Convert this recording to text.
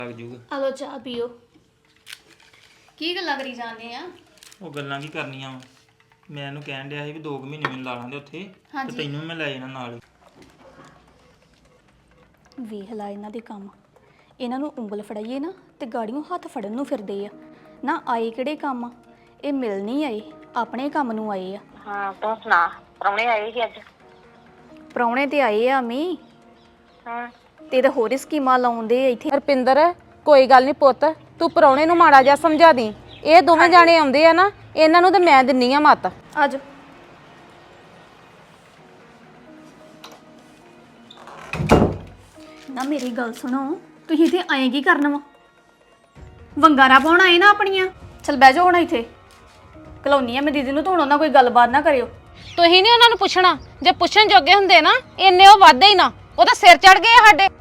ਲੱਗ ਜੂਗਾ। ਆ ਲੋ ਚਾਹ ਪੀਓ। ਕੀ ਗੱਲਾਂ ਕਰੀ ਜਾਂਦੇ ਆ? ਉਹ ਗੱਲਾਂ ਕੀ ਕਰਨੀਆਂ ਵਾ, ਮੈਂ ਇਹਨੂੰ ਕਹਿਣ ਡਿਆ ਸੀ ਵੀ 2 ਮਹੀਨੇ ਮੈਨੂੰ ਲਾ ਲਾਂਦੇ ਉੱਥੇ ਤੇ ਤੈਨੂੰ ਮੈਂ ਲੈ ਜਾਣਾ ਨਾਲ। ਵੇਖ ਲਾ ਇਹਨਾਂ ਦੇ ਕੰਮ, ਇਹਨਾਂ ਨੂੰ ਉਂਗਲ ਫੜਾਈਏ ਨਾ ਤੇ ਗਾੜੀਆਂ ਹੱਥ ਫੜਨ ਨੂੰ ਫਿਰਦੇ ਆ। ਨਾ ਆਏ ਕਿਹੜੇ ਕੰਮ ਆ, ਇਹ ਮਿਲ ਨਹੀਂ ਆਏ, ਆਪਣੇ ਕੰਮ ਨੂੰ ਆਏ ਆ। ਹਾਂ ਤੂੰ ਸੁਣਾ, ਪ੍ਰਾਹੁਣੇ ਆਏ ਸੀ ਅੱਜ? ਪ੍ਰਾਹੁਣੇ ਤੇ ਆਏ ਆ ਮੀ ਹਾਂ ਤੇ ਹੋਰ ਸਕੀਮਾਂ ਲਾਉਂਦੇ ਆ ਇੱਥੇ। ਰਪਿੰਦਰ ਕੋਈ ਗੱਲ ਨਹੀਂ ਪੁੱਤ, ਤੂੰ ਪ੍ਰਾਹੁਣੇ ਨੂੰ ਮਾੜਾ ਜਿਹਾ ਸਮਝਾ ਦੀ। ਇਹ ਦੋਵੇਂ ਜਾਣੇ ਆਉਂਦੇ ਆ ਨਾ, ਇਹਨਾਂ ਨੂੰ ਤੇ ਮੈਂ ਦਿੰਨੀ ਆ ਮੱਤ। ਅੱਜ ਨਾ ਮੇਰੀ ਗੱਲ ਸੁਣੋ, ਤੁਸੀਂ ਇੱਥੇ ਆਏ ਕੀ ਕਰਨ ਵਾ? ਵੰਗਾਰਾ ਪਾਉਣ ਆਏ ਨਾ ਆਪਣੀਆਂ? ਚਲ ਬਹਿ ਜਾਓ ਹੁਣ ਇੱਥੇ, ਕਲੋਨੀ ਆ ਮੈਂ ਦੀਦੀ ਨੂੰ, ਧੋਣੋ ਨਾ ਕੋਈ ਗੱਲਬਾਤ ਨਾ ਕਰਿਓ। ਤੁਸੀਂ ਨਹੀਂ ਉਹਨਾਂ ਨੂੰ ਪੁੱਛਣਾ, ਜੇ ਪੁੱਛਣ ਜੋਗੇ ਹੁੰਦੇ ਨਾ ਇੰਨੇ ਉਹ ਵਾਧੇ ਹੀ ਨਾ, ਉਹ ਤਾਂ ਸਿਰ ਚੜ ਗਏ ਆ ਸਾਡੇ।